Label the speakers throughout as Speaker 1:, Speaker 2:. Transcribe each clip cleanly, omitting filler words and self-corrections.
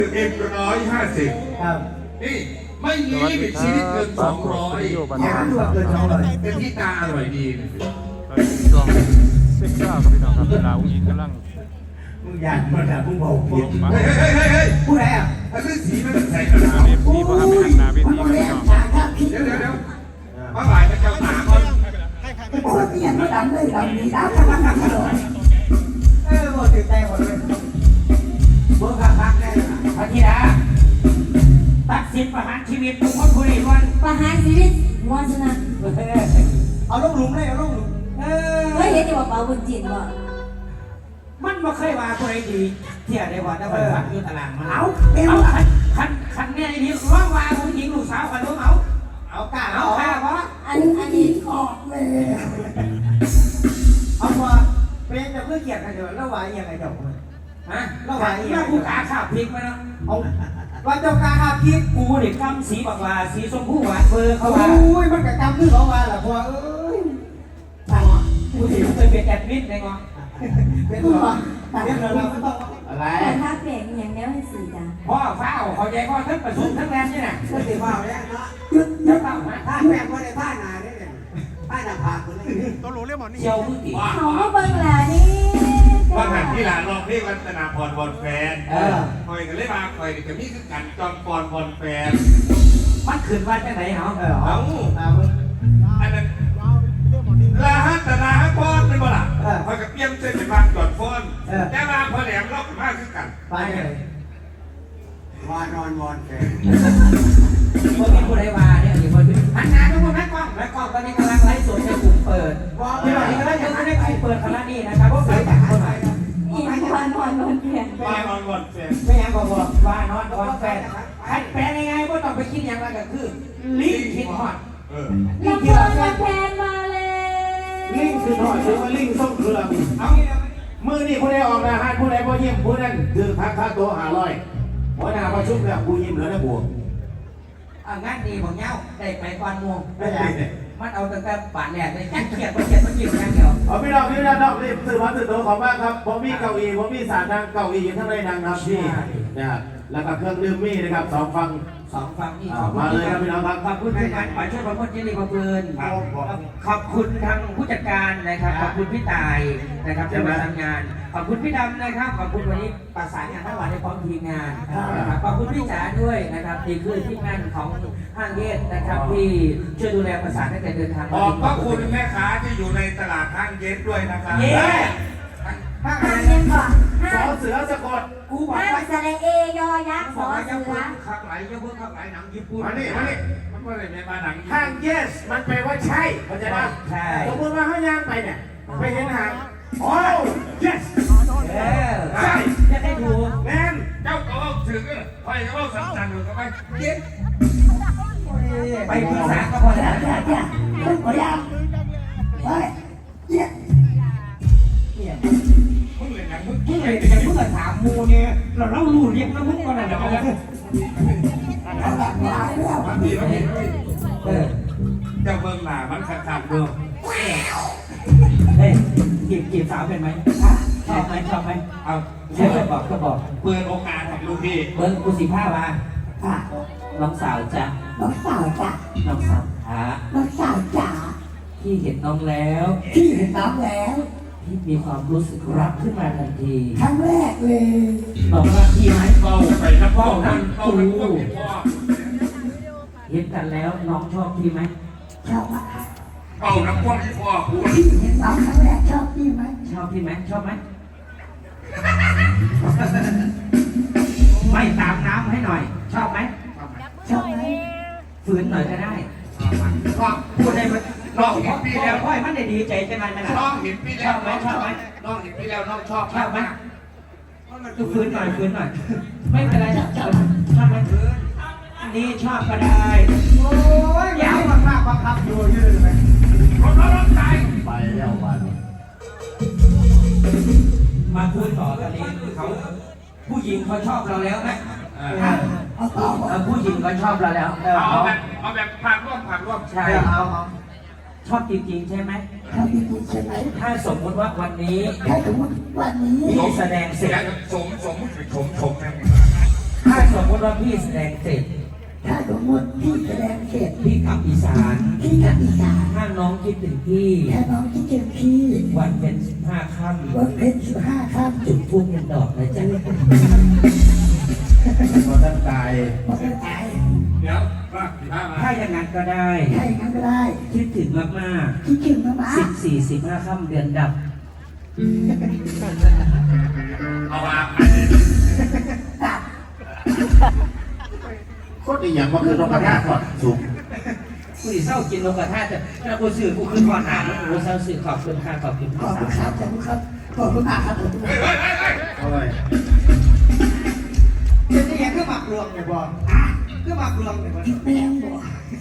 Speaker 1: 150ครับนี่ไม่มีลิมิตชีวิตเกิน200แค่ตัวเกิน200เป็นที่ตาอร่อยดี
Speaker 2: ช่วง19ครับพี่น้องครับเวลาอุ้งอิงกำลัง
Speaker 1: มึงอยากมาด่ามึงบอกผิดเฮ้ยผู้ใดอ่ะถ้าเรื่องสีมันใส่กระดาษ
Speaker 2: มีพอทำเป็นนาเวทีครับพี่น้อง
Speaker 1: เดี๋ยวมาบ่ายมาเจ้าตาก่อน
Speaker 3: โอ้ยเปลี่ยนมาดำเลยดำดีดำ
Speaker 1: หมดติดใจหมดเลยเมื่อพักได้พระธิดาตัดสินประหารชีวิตทุกคนผู้ใดวัน
Speaker 4: ประหารชีวิตวัชนะ
Speaker 1: เอาลูกหลุมเลยเอาลูกหลุม
Speaker 4: เฮ้ยเห็นจะบอกเปล่าบุญจิตบ่
Speaker 1: มันไม่เคยมาผู้ใดดีเที่ยได้ว่าถ้าไปพักอยู่ตารางมัน
Speaker 3: เอา
Speaker 1: คันเนี่ยไอ้นี่ร้องว่าผู้หญิงลูกสาวคันรู้เอากล้าเอากล้าเพราะ
Speaker 4: อันนี้
Speaker 3: ออกเลย
Speaker 1: เอาพอเป็นจะเพื่อเกียรติกันเถอะแล้วว่าอย่างไรเจ้าฮะแล้วว่าอย่างกูกาข้าวพริกมาแล้วเอาว่าเจ้ากาข้าวพริกกูเด็กกำสีบักลาสีชมพูหวานเบอร์เขาว่าโอ้ยมันกับกำคือเขาว่าแหละพอเอ้ยกูเห็นเคยเป็นแอดมิดไงงอเป็นหรอเป็นหรอเราไม่ต้องอะไร
Speaker 4: แต่ถ้าเปลี่ยนอย่างนี้ให้สื่อจ้ะ
Speaker 1: พ่อฟ้าเขาใจพ่อทั้งประชุมทั้งแรงนี่น่ะก็ติว่าเนี่ยเนาะจะต้องถ้าแม่ก็ได้ผ้าหนาเนี่ยผ้าหนาผากคนนี้
Speaker 2: ต้องรู้เรื่องหมอนี่
Speaker 1: เชียวมือตี
Speaker 4: เขาก็เบิ่งแหละนี่
Speaker 5: ว่าหันที่หลานลองเพลงรัตนาพรบอลแฟนคอยกันเลยมาคอยกับนี่คือการจอมพรบอลแฟน
Speaker 1: มันขึ้นว่าจะไหนเหรอ
Speaker 5: เอาอันนั้นลาฮัตนาฮัตพรเป็นบ่ล่ะคอยกับเปี้ยมเส้นเป็นบางจอดฟอนแต่มาพอแหลมล็อกมากขึ้นกัน
Speaker 1: ไปเลยว
Speaker 5: านอนวอนแฟน
Speaker 1: คนมีผู้ใดวาเนี่ยอีกคนหันหน้าทุกคนแม่กล้องตอนนี้กำลังไลฟ์สดในกลุ่มเปิดที่เราที่กำลังจะได้กลุ่มเปิดคณะนี้นะครับเพราะเกิดจากคนไหน
Speaker 4: อีกวันเปลี่ยน
Speaker 5: วานอนวอนแฟน
Speaker 1: ไม่ยังบอกว่านอนวอนแฟนใครแปลยังไงก็ต้องไปคิดอย่างไรก็คือลิงคิดฮอด
Speaker 4: ลิงเกิดแฟนมาเลย
Speaker 5: ลิงคือหอดซื้อมาลิงส่งเครื่องเอามือนี่ผู้ใดออกนะฮะผู้ใดพอยิ้มผู้นั้นคือพักค่าโต๊ะ500หัวหน้าประชุมแล้วผู้ยิ้มแล้วนะบวก
Speaker 1: งั้นดีของเงาได้ไปก่อนม่วงไม่ใช่มันเอาตั้งแต่ป่านแรกเลยแค่เขียนมันยิ้มอย่างเดียว
Speaker 5: พี่น้องรีบสื่อมาสื่อตัวของบ้านครับผมมีเก้าอี้ผมมีสารนั่งเก้าอี้อยู่ทั้งในนั่งครับพี่นะครับแล้วก็เครื่องดื่มมีนะครับ2 ฝั่ง
Speaker 1: นี่
Speaker 5: มาเลยครับพี่น้องครับ
Speaker 1: ขอบคุณทางฝ่ายช่วยประมวลเจริญเพื่อนขอบคุณทางผู้จัดการนะครับขอบคุณพี่ตายนะครับที่มาทำงานขอบคุณพี่ดำนะครับขอบคุณวันนี้ประสานงานทั้งวันในพร้อมทีมงานนะครับขอบคุณพี่จ๋าด้วยนะครับนี่คือทีมงานของห้างเยสนะครับที่ช่วยดูแลประสานตั้งแต่เดินทาง
Speaker 5: ขอบพระคุณแม่ค้าที่อยู่ในตลาดห้างเยสด้วยนะครับ
Speaker 4: ห้างเย็นก่อน
Speaker 5: สอเสือสะกด
Speaker 4: กูบอกว่าสระเอยอยักษ์สอเสือ
Speaker 1: ขับไหลเยอะเพิ่งขับไหลหนังญี่ปุ่น
Speaker 5: มานี่มันก็เลยในบ้านหนังห้าง yes มันแปลว่าใช่เข้าใจไหม
Speaker 1: ใช่
Speaker 5: สมมติว่าเขาย่างไปเนี่ยไปเห็นหางโอ้ yes
Speaker 1: ใช่จะได้ดู
Speaker 5: แมนเจ้าก็ถึงไปก็ว่าสั่นๆอยู่กับไปเย็น
Speaker 1: ไปปรึกษาก็พอแล้ว
Speaker 3: ต้องพยายามไปเนี่ย
Speaker 1: มึงเลยนะมึงเลยแต่มึงก็ถามมูเนี่ยเรารู้เรียกนะมึงก็นั่นแหละ
Speaker 5: เจ้าเบิ่งหน้ามันขาดเบิ่ง
Speaker 1: เฮ้ยจีบสาวเป็นไหมชอบไหมเอาเชื่อก็บอก
Speaker 5: เปิดโอกาสให้ลูกพี่
Speaker 1: เบิ้งกู15 มาน้องสาวจ้ะ
Speaker 3: น้องสาวจ๋า
Speaker 1: น้องสาว
Speaker 3: น้องสาวจ๋า
Speaker 1: พี่เห็นน้องแล้ว
Speaker 3: พี่เห็นน้องแล้ว
Speaker 1: พี่มีความรู้สึกรักขึ้นมาทันที
Speaker 3: ครั้งแรกเลย
Speaker 1: น้องรักพี่ไหม
Speaker 5: เบาไปนะเบานั่นเบานั่นพ่อ
Speaker 1: เห็นกันแล้วน้องชอบพี่ไหม
Speaker 3: ชอบอะ
Speaker 5: เบานะพ่อที่พ่อพูด
Speaker 3: พี่เห็นน้องครั้งแรกชอบพี่ไหม
Speaker 1: ชอบพี่ไหมชอบไหมไม่ตามน้ำให้หน่อยชอบไหม
Speaker 3: ชอบไหม
Speaker 1: ฝืนหน่อยก็ได้พูดได้ไหมน้องเห็นพี่แล้วค่อยมันได้ดีใจจังเลยนะ
Speaker 5: น้องเห็นพี่แล้วน้องชอบไหมน้องเห็นพี่แล้วน้องชอบ
Speaker 1: ไหมดูฝืนหน่อยไม่เป็นไรชอบไหมนี่ชอบก็ได้โอ้ยยาวมากบังคับอยู่ยืนไหม
Speaker 5: รถใจไปแล้ววัน
Speaker 1: มาพูดต่อตอนนี้เขาผู้หญิงเขาชอบเราแล้วนะผู้หญิงเขาชอบเราแล้ว
Speaker 5: เอาแบบผ่านร่วม
Speaker 1: ใช่ชอบจริงๆใช่ไหม
Speaker 3: ชอบจริงๆใช่ไหม
Speaker 1: ถ้าสมมติว่าวันนี้
Speaker 3: ถ้าสมมติวันนี้
Speaker 1: พี่แสดงเสร็จ
Speaker 5: สม
Speaker 1: ถ้าว่าพี่แสดงเสร็จ
Speaker 3: ถ้าสมมติพี่แสดงเสร็จ
Speaker 1: พี่กลับอีสาน
Speaker 3: พี่กลับอีสาน
Speaker 1: ถ้าน้องคิดถึงพี่
Speaker 3: ถ้าน้องที่เจอพี่
Speaker 1: วันเป็น15 ค่ำ
Speaker 3: วันเพ็ญ15 ค่ำ
Speaker 1: จุดธูปเป็นดอกนะจ๊ะ
Speaker 5: พอท่านตาย
Speaker 3: พอจะตาย
Speaker 5: เดี๋ยวว่าถ้ามา
Speaker 1: ถ้าอย่างนั้นก็ได้
Speaker 3: ใช่งั้นก็ได้
Speaker 1: คิดถึงมาก
Speaker 3: คิดถึงมามา
Speaker 1: ๆ14-15 ค่ำเดือนดับ
Speaker 5: เอามาโคตรดีอย่างว่าคือนกกระทาก่อนสูง
Speaker 1: กูสิเศร้ากินนกกระทาแต่ถ้ากูซื้อกูคือก่อนหนากูเศร้าซื้อขอบคุณค่ะขอบคุณ
Speaker 3: ขอบคุณครับขอบคุณครับขอบคุณมากครับผม
Speaker 5: เอาไว้
Speaker 1: เป็นยังไงก็หมักรวมเนี่ยบอลก็หมักรวมเนี่ยบอล
Speaker 3: แม่งบอก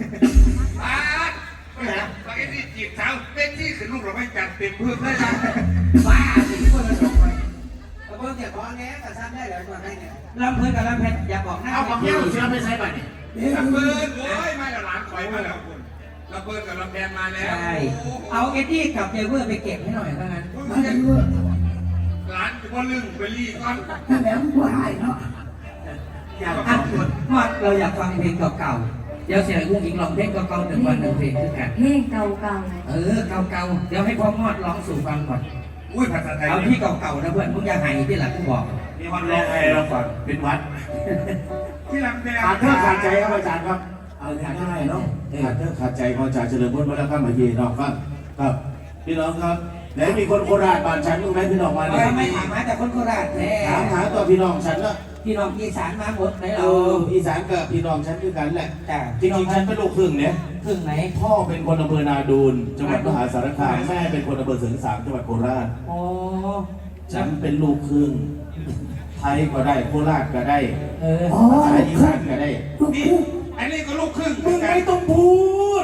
Speaker 5: ไม่นะปากที่จีบสาวเป็นที่ขึ้นลูกเราไม่จัดเต็มพื้นเลยนะ
Speaker 1: บ้าสิที่คนละดอกไปแล้วเพิ่งเก็บของแง่แต่ซ้ำได้เลยมาให้เนี่ยลำเพื่อนกับลำเพชรอย่าบอกหน้า
Speaker 5: เอาของแก้วเชื้อไม่ใช่ป่ะนี่
Speaker 6: ลำเบิร์นโอ้ยมาแล้วหลานคอยมาแล้วคุณลำเบิร์นกับลำแพนมาแล้ว
Speaker 1: ใช่เอาเอ็ดดี้กับเจเวอร์ไปเก็บให้หน่อยเท่านั้น
Speaker 3: มาเลยเว้ย
Speaker 6: หลานจะว่าลึงไปรีก่อน
Speaker 3: นั่นแหละมึงว่าหายเนาะ
Speaker 1: อยากอัดมอดเราอยากฟังเพลงเก่าๆเดี๋ยวเสียงอุ้งอิงร้องเพลงเก่าๆ1 วัน 1 เพลงคือกัน
Speaker 4: เพลงเก่า
Speaker 1: เก่าๆเดี๋ยวให้พ่อมอดร้องสู่ฟังก่อน
Speaker 6: อุ้ยภาษาไทย
Speaker 1: เอาที่เก่าๆนะเพื่อนมึงอย่าหายที่หลังกูบอก
Speaker 5: มีคนร้องให้เราก่อนเป็นวัด
Speaker 6: ที่ลำแพน
Speaker 5: ขาดเท่าขาดใจครับอาจารย์ครับ เอาง่ายๆเนาะขาดเท่าขาดใจของอาจารย์เฉลิมพลวัฒนธรรมเยน้องฟังครับพี่น้องครับแล้วมีคนโคราชบ้านฉันรู้ไหมพี่น้องมาเนี่ย
Speaker 1: ไม่ถามหาแต่คนโคราชแท้
Speaker 5: ถามหาตัวพี่น้องฉันละ
Speaker 1: พี่น้องอีสานมาหมดไหน
Speaker 5: เอ
Speaker 1: เรา
Speaker 5: ออีสานกับพี่น้องฉันคือกันแหละ
Speaker 1: จ้ะ
Speaker 5: จริงๆฉันเป็นลูกครึ่งเนี่ย
Speaker 1: ครึ่งไหน
Speaker 5: พ่อเป็นคนอำเภอนาดูนจังหวัดมหาสารคามแม่เป็นคนอำเภอเสริงสางจังหวัดโคราช
Speaker 1: โอ้
Speaker 5: ฉันเป็นลูกครึ่งไทยก็ได้โคราชก็ได้
Speaker 3: อ๋อ
Speaker 5: ภาษาอีสานก็ได้
Speaker 3: ลูก
Speaker 6: นี่
Speaker 3: คู่
Speaker 6: อันนี้ก็ลูกครึ่ง
Speaker 5: มึงไม่ต้องพูด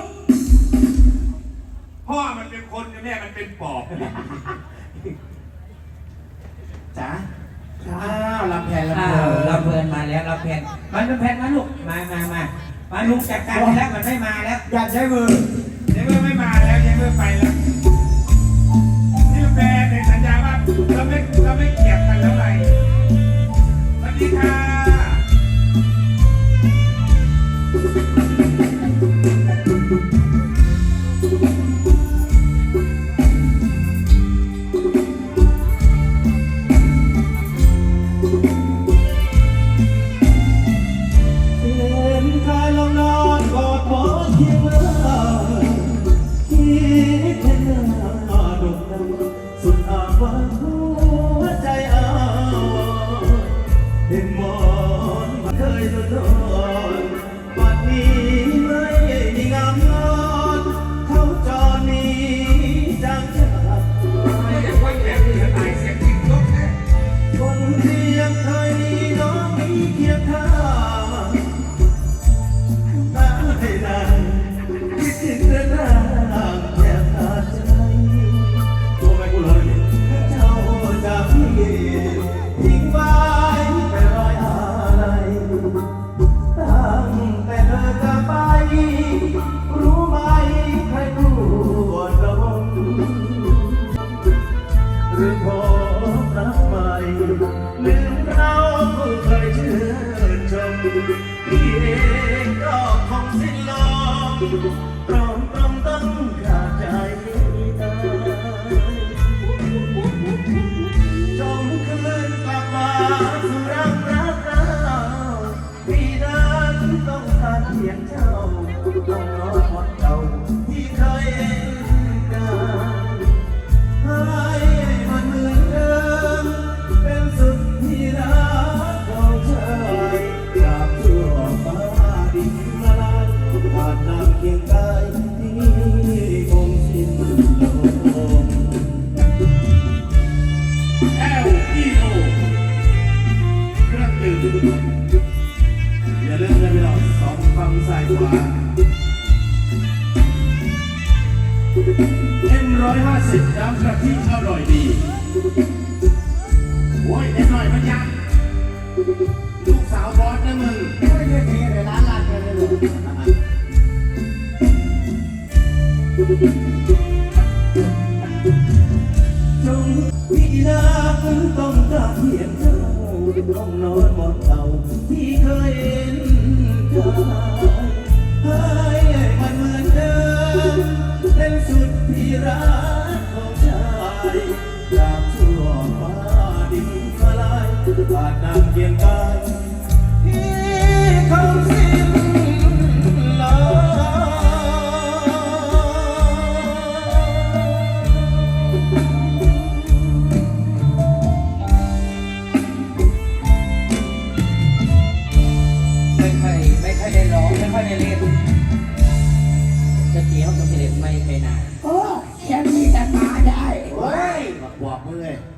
Speaker 6: พ่อมันเป็นคนแม่มันเป็นปอบ
Speaker 5: จ๋าอ้าวลำแพนลำ
Speaker 1: อ้า
Speaker 5: เพลิ
Speaker 1: วน เราเพลินมาแล้วเราเพลินมันเป็นแพนมาลูกมาลุงจัดการไปแล้วมันไม่มาแล้ว
Speaker 3: อยากใช้มือ
Speaker 6: เดี๋ยวไม่มาแล้วยังไม่ไปแล้วที่ลำแพนในสัญญาว่าเราไม่เกลียดกันแล้วไงสวัสดีค่ะ
Speaker 5: เห็นใครลองนอนกอดหมอนเคียงเลยคิดเห็นหน้าดกดำสุดอาวันหัวใจอาวรเห็นหมอนเคยโดนปัดนี้ไม่มีงามนอนเขาจอนี้จังจาก
Speaker 6: ไม่อยากว่าแกเสียตายเสียจริงยกแน่
Speaker 5: คนเพียงเคยมีน้องมีเคียงข้างได้ได้คิดถึงเรื่องราวแค่ขาดใจตัวไม่กูเลยเจ้าจากพี่ทิ้งไว้แต่รอยอะไรตั้งแต่เธอจะไปรู้ไหมใครปวดร้อนหรือพบรักใหม่ลืมเราเคยชื่นชมพี่เองก็คงสิ้นลมพร้อมต้องขาดใจตายจงคืนกลับมาสู่รักเราพี่นั้นต้องการเพียงเจ้าต้องรอวันเก่าที่เคยเห็นกัน ให้มันเหมือนเดิมเป็นสุดที่รักของชายจากทั่วฟ้าดินมาลายผ่านน้ำเคียงกายที่คงสิ้นลม
Speaker 6: LEO เครื่องดื่ม
Speaker 5: อย่าลืมนะพี่น้องสองฝั่งซ้ายขวา M150 น้ำกะทิอร่อยดีโอ้ยเด็กหน่อยมันยังลูกสาวบอสนะมึง
Speaker 3: ไม่ได้เทเลยร้านลาดกันเลย
Speaker 5: จงพี่รักต้องการเพียงเจ้าต้องนอนหมดเก่าที่เคยตราบชั่วฟ้าดินสลายอาจนานเพียงกายที่เขาสิ้นลาย
Speaker 1: ไม่ค่อยได้ร้องไม่ค่อยได้เล่นจะเจียวกับเสด็จไม่ไปไหน
Speaker 3: โอ้ฉันมีแต่มาได้
Speaker 5: โอ้ยบอกมึงเลย